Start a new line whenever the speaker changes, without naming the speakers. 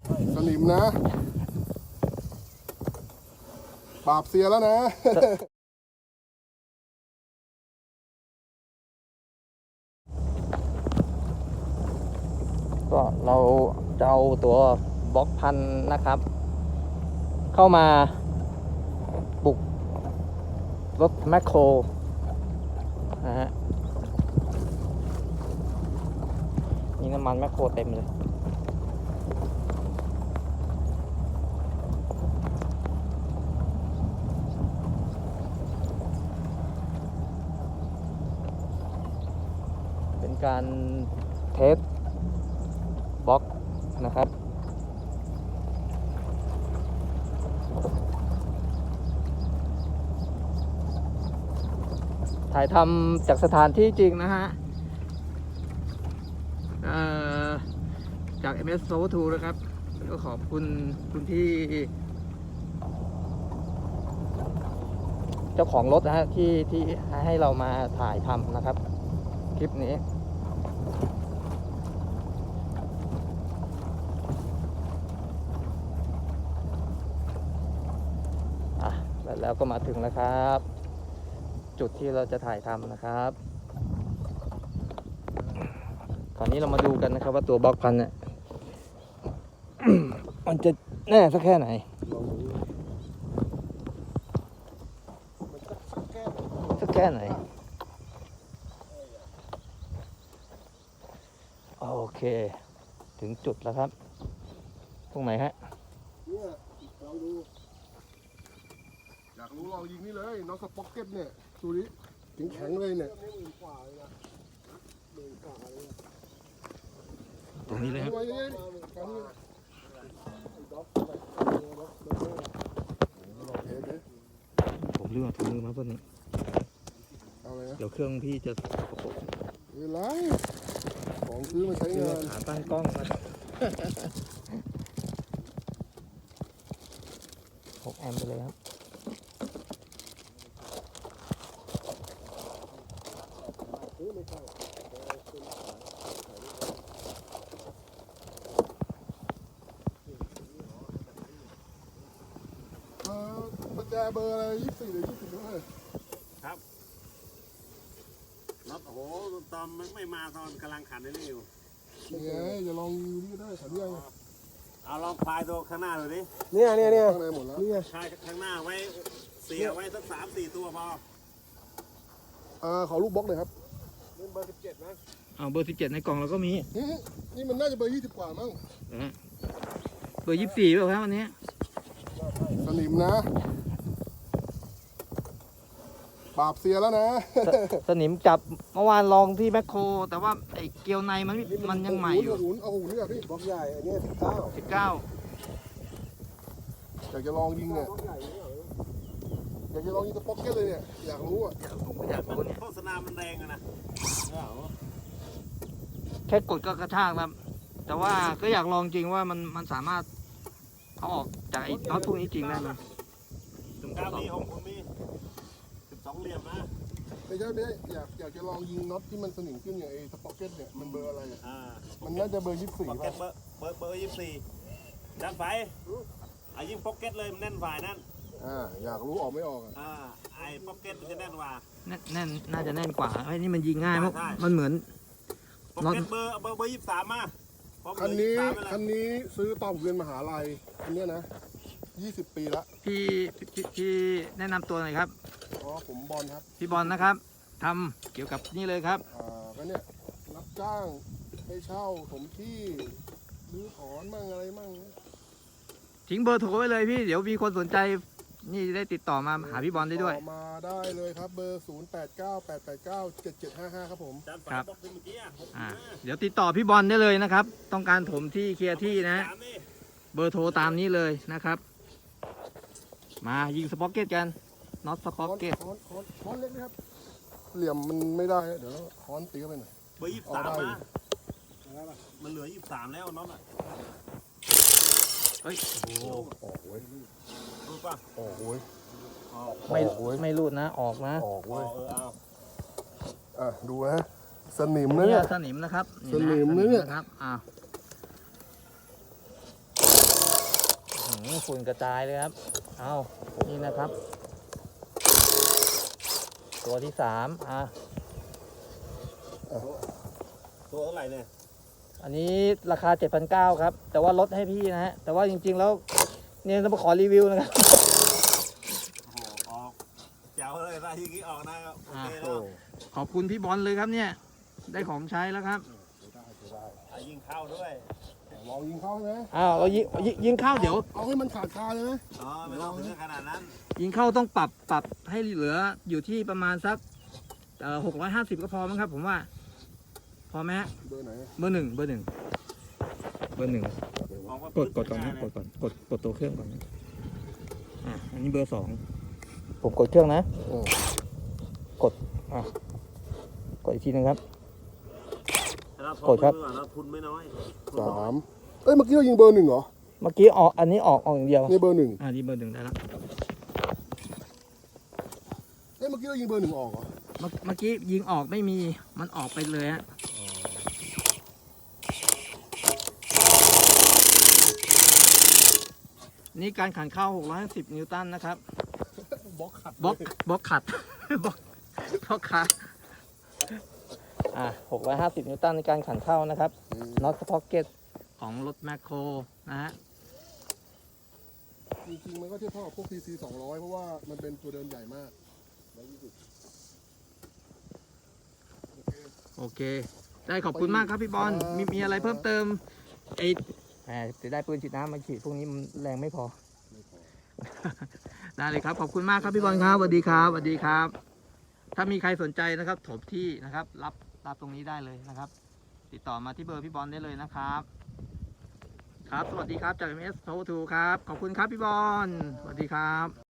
สนิมนะปราบเสียแล้วนะ
ก็เราจะเอาตัวบล็อกพันนะครับ เข้ามาบุกรถแมคโครนะฮะนี่น้ำมันแมคโครเต็มเลยเป็นการเทสบล็อกนะครับถ่ายทำจากสถานที่จริงนะฮะจาก MS Soul 2นะครับก็ขอบคุณคุณที่เจ้าของรถนะฮะที่ให้เรามาถ่ายทำนะครับคลิปนี้แล้วก็มาถึงแล้วครับ จุดที่เราจะถ่ายทำนะครับคราวนี้เรามาดูกันนะครับว่าตัวบล็อกพันเนี่ย มันจะแน่สักแค่ไหนสักแค่ไหนโอเคถึงจุดแล้วครับตรงไหนฮะ
เนี่ยลองดูอยากรู้ลองยิงนี่เลยน็อตสป็อกเก็ตเนี่ยดูดิแข็งเลยเนี่ย
ตรงนี้เลยครับผมลืมเอาถุงมือมาเพื่อนนี้เดี๋ยวเครื่องพี่จะ
เวลาของซื้อมาใช้งาน
ขาตั้งกล้องนะ6 แอมป์ไปเลยครับ
ประแจเบอร์อะไร24หรือ20ด้วย
ครับรถโอ้โหตอนไม่มาตอนกำลังขันนี่อยู่
นี่ไงจะลองดูนี่ก็ได้ขันยัง
เอาลองพายตัวข้างหน้าดูดิ
เนี่ยข้างในหมดแล้วนี่
พายข้างหน้าไว้เสียไว้สัก3-4 ตัวพอ
ขอลูกบล็อกเลยครับ
เบอร์17มั้ง
เอาเบอร์17ในกล่องเราก็มี
นี่มันน่าจะเบอร์20กว่ามั้ง
เบอร์24เปล่าครับวันนี้
สนิมนะปราบเสียแล้วนะ
สนิมจับเมื่อวานลองที่แมคโครแต่ว่าไอ้เกลียวในมันยังใหม่อยู่
เอาหุ่นนี่พี่บล็อกใหญ่อันนี้19อยากจะลองยิงเนี่ยอยากจะลองยิงสป็อกเก็ตเลยเนี่ยอยากรู้อ่ะ
อยากรู้เนี่ย
โฆษณามันแรงอะนะ
แค่กดก็กระชากแล้วแต่ว่าก็อยากลองจริงว่ามันสามารถเอาออกจากไอ้น็อตพวกนี้จริงได้ไหม
มีของผมมี12 เหลี่ยมนะ
ไม่ใช่อยากจะลองยิงน็อตที่มันสนิมขึ้นอย่างไอ้สป็อกเก็ตเนี่ยมันเบอร์อะไรมันน่าจะเบอร์24
ป่ะเบอร์24ด้านไฟยิงพ็อกเก็ตเลยมันแน่นฝ่ายนั่น
อยากรู้ออกไม่ออก
ไอ้พ็อกเก็ตมันจะแน่นกว่า
แน่นน่าจะแน่นกว่าไอ้นี่มันยิงง่ายมันเหมือน
พ็อกเก็ตเบอร์23มา
คันนี้ซื้อตอนเรียนมหาลัยคันนี้นะ20 ปีละ
พี่แนะนำตัวหน่อยครับ
ผมบอลครับ
พี่บอลนะครับทำเกี่ยวกับนี่เลยครับ
ก็เนี่ยรับจ้างให้เช่าผมที่รื้อถอนมั่งอะไรมั่ง
ทิ้งเบอร์โทรไว้เลยพี่เดี๋ยวมีคนสนใจนี่ได้ติดต่อมาหาพี่บอลได้ด้วย
มาได้เลยครับเบอร์0898897755ครับผม
ครับเดี๋ยวติดต่อพี่บอลได้เลยนะครับต้องการถมที่เคลียร์ที่นะเบอร์โทรตามนี้เลยนะครับมายิงสป็อกเก็ตกันน็อตสป็อกเก็ต
ค้อนเล็กนะครับเหลี่ยมมันไม่ได้เดี๋ยวค้อนตีเข้าไปหน่อย
เบอร์23มามันเหลือ23แล้วน็อตอ่ะ
เฮ้ย
ออกเว้ย
รู้ป่ะ
ออกเว้ย
ไม่รูดนะออกนะ
ออกเว้ยดูนะสนิมนะ
เนี่ยสนิมนะครับ
สนิมเนี่ย
ครับฝุ่นกระจายเลยครับเอานี่นะครับ ตัวที่3
ตัวเท่าไหร่เนี่ย
อันนี้ราคา 7,900 ครับแต่ว่าลดให้พี่นะฮะแต่ว่าจริงๆแล้วเนี่ยต้องมาขอรีวิวนะครับ
โอ้โหออกเจ๋วเลยนะที่กี้ออกนะครับโอเคแล้ว
ขอบคุณพี่บอลเลยครับเนี่ยได้ของใช้แล้วครับ
ยิงเข้าด้วย
ลองยิงเข้าใช่ไหม
เรายิงเข้าเดี๋ยว
เอาให้มันขาดคาเลยไหม
อ๋อไม่ต้องถึงขนาดนั้น
ยิงเข้าต้องปรับให้เหลืออยู่ที่ประมาณสัก650ก็พอมั้งครับผมว่าพอไหมฮะ
เบอร์ไหน
เบอร์หนึ่ง
ออกมาก
ดก่อนนะกดตัวเครื่องก่อนนะอันนี้เบอร์2ผมกดเครื่องนะกดอีกทีนึงครับ กดครับ
เราทุนไม่น้อย
3เอ้ยเมื่อกี้เรายิงเบอร์ 1เหรอ
เมื่อกี้อันนี้ออกอย่างเดียว
นี่เบอร์ 1
นี่เบอร์ 1ได้แล้ว
เอ้ยเมื่อกี้เรายิงเบอร์ 1ออกเหรอ
เมื่อกี้ยิงออกไม่มีมันออกไปเลยฮะนี่การขันเข้า650นิวตันนะครับ
บล็อกขัด
บล็อกขัด บล็อกขัด650นิวตันในการขันเข้านะครับน็อตสป็อกเก็ตของรถแมคโครนะฮะ
จริงๆมันก็เทียบเท่ากับพวก TC 200เพราะว่ามันเป็นตัวเดินใหญ่มาก
โอเคได้ขอบคุณมากครับพี่บอลมีอะไรเพิ่มเติมจะได้ปืนฉีดน้ำมาฉีดพวกนี้มันแรงไม่พอ ได้เลยครับขอบคุณมากครับพี่บอลครับสวัสดีครับสวัสดีครับ ถ้ามีใครสนใจนะครับถมที่นะครับรับตรงนี้ได้เลยนะครับ ติดต่อมาที่เบอร์พี่บอลได้เลยนะครับครับสวัสดีครับจาก MS Power 2ครับขอบคุณครับพี่บอลสวัสดีครับ